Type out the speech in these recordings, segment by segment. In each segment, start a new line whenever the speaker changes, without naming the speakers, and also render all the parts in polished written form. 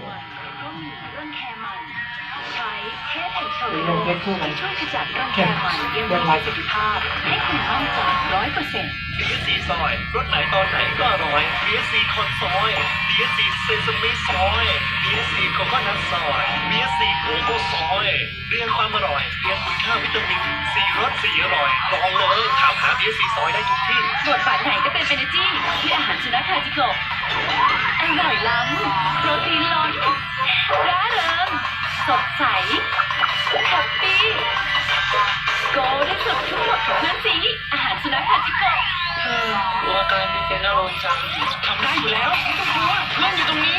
ก็มีเรื่องแคร์มันใช้เทปแห่งโชว์ช่วยขจัดเรื่องแคร์มันยังมีประสิทธิภาพให้คุณมั่นใจ100%
BSC ซอยรสไหนตอนไหนก็อร่อย BSC คอนซอย BSC เซซามิซอย BSC โคโคนัทซอย BSC โกโก้ซอยเรียงความอร่อยเรียงคุณค่าวิตามิน4 รส 4 อร่อยลองเลยถามหา BSC ซอยได้ทุกที่
บทบาทไหนก็เป็นเอเนจีที่อาหารสุนัขคาจิโกะอร่อยล้ำโปรตีนล้นร่าเริงสดใสแฮปปี้โกได้สุดทุกหมดของเพื่อนสีอาหารสุนัขคาจิโกะ
ตัวกลายเป็นอารมณ์จังทำได้อยู่แล้วไม่ต้องกลัวเพื่อนอยู่ตรงนี้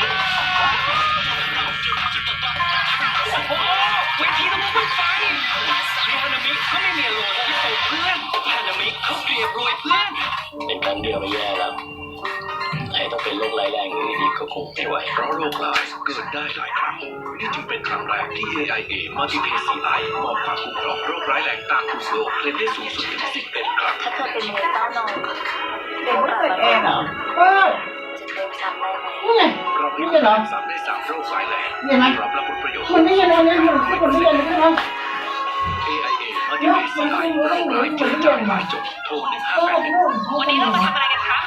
โอ้โหเวทีต้องพุ่งไฟมีฮานามิเขาไม่มีอารมณ์ที่ส่งเพื่อนฮานามิเขาเกลียดรวยเพื่อน
เป็นครั้งเดียวไม่แย่แล้วไอ้ต้องเป็นโรคร้ายแรงอย่างนี้อีกก็คงไม่ไหว
เพราะโรคร้ายเกิดได้หลายครั้งนี่จึงเป็นครั้งแรกที่ AIA Multi-PCI มอบความคุ้มครองโรคร้ายแรงตามกลุ่มโรคเคลมได้สูงสุดถึง11 ครั้ง
ถ้าเธอเป็นมวยเต้านม
เป็นไม่เกิดเองเหรอ
จะเต็มซ้ำได้ไหม
นี่ไง
เราไม่ได้ซ้ำได้3 โรคร้ายแรงรับผลประโยชน์
คนนี้ยังไงเนี่ยคนนี้ยังไงนะ
AIA Multi-PCI โรคร้ายเจอจางหายจบโทร1581
วันนี้เรามาทำอะไรกันคะ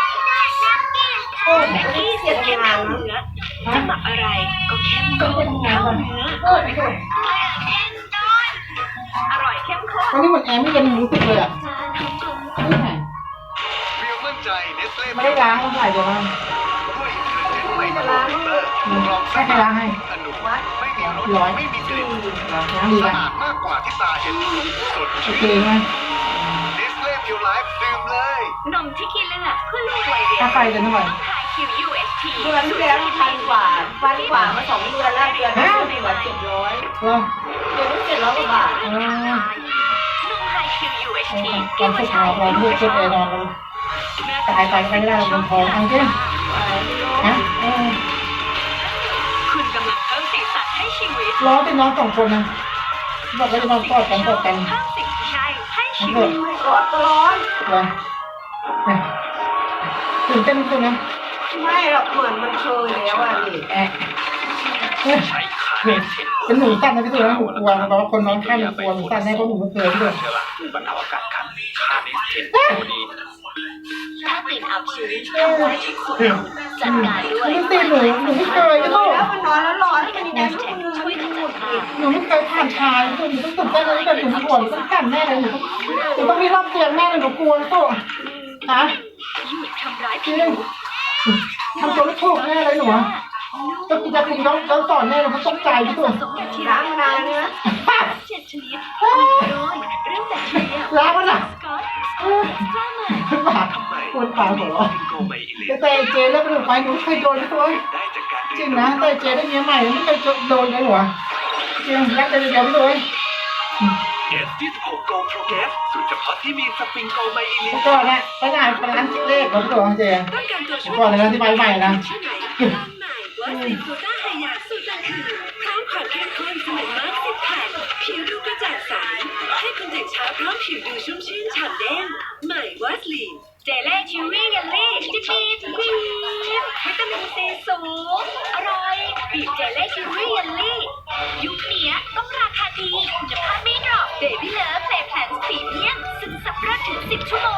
แม็กกี้เสียเข้มข้นเนื้อจะหมักอะไรก็เข้มข้นเข้าเนื้ออร่อยเข้มข้น
ตอนนี้เหมือนแอร์ไม่เย็นรู้สึกเลยอ่ะนี่ไง
เรียวมั่นใจเนสเล่
ไม่ได้ล้างก็ใส่เดี๋ยวมัน
ด้วยไม่ได้ล้าง
ให้ใครล้างให้
อนุไม่มีรสไม่มีกลิ่น
ล้างดีนะ
สะอาดมากกว่าที่ตาเห็นสด
โอเคไหม
เนสเล่พิวไลฟ์ดื่มเลย
นมที่กินเลือดเพื่อลูกวัยเรียน
ถ้าไฟจะเท่าไหร่
เดือนที่แล้ว1,000 กว่ามา2 เดือนแล้วเดือนนี้ไม่ไหว700เดือนนี้700 กว่าบาทนมไฮคิว UHT
ตอนสุดท้ายเราเลือกชุดเอนอนกันตายไปไม่ได้เราเป็นทองอังเก้ฮะ
คุณกำลังเพิ่มสีสันให้ชีวิต
ร้องเป็นน้อง2 คนนะบอกว่าจะนอนกอดกัน
เพิ่มสิ่งที่ใช่ให้ชีวิตกอดก็ร้อน
เลยตื่นเต้นคุณนะ
ไม่หรอกเหมือนมันเคยแล้วอ่ะนี่
เป็นหนูสั้นนะพี่ตัวนะหนูกลัวเพราะว่าคนน้องข้ามกลัวหนูสั้นแน่เพราะหนูไม่เคยพี่ตัว
บรรเทาอาการคันคาเนสเทนตัวดี
ถ้ากลิ่นอับชื้นทำไว้ที่คุณจัดการด้วย
ไม่ตีหนูไม่เคยพี่ตัว
แล้วมันนอนแล้วร้อนมันยังช่วยขจัดกลิ่น
หนูไม่เคยผ่านชายหนูต้องตื่นเต้นเลยแต่หนูกลัวหนูต้องกันแน่เลยหนูต้องมีรอบเตียงแน่เลยหนูกลัวตัวฮะ
หยุดทำร้ายผิว
ทำตัวไม่ถูกแน่เลยหนูต้องกินยาคุมแล้วสอนแน่เลยเขาตกใจพี่ตัว
ล้างมานานเนื้อ7 ชนิดโดยเรื่องแบคทีเรีย
ล้างมันอ่ะ
บา
ดปวดขาหัวเราะแต่เจแล้วเป็นไฟหนูเคยโดนพี่ตัวจริงนะแต่เจได้เมียใหม่ไม่เคยโดนเลยหรอจริงรักกันเดียวพี่ตัว
เกสที่16 Go Pro Gas สูตรเฉพาะที่มีสปริงโกไมอิลิน
ก่อนนะไปงานร้านเลขของพี่ตัวเจก่อนเลยนะที่ใหม่นะ
ว่าสีโคต้าไฮยาสูตรกลางคืนพร้อมความเข้มข้นสมัยมาร์ค10 แผ่นผิวดูกระจ่างใสให้คุณตื่นเช้าพร้อมผิวดูชุ่มชื่นฉ่ำแดงใหม่วัสลีนเจลเล่ชิวรี่เยลลี่จิ๊บวิตามินซีสูงอร่อยบีบเจลเล่ชิวรี่เยลลี่ยุคนี้ต้องราคาดีคุณภาพไม่ดรอปเบบี้เลิฟ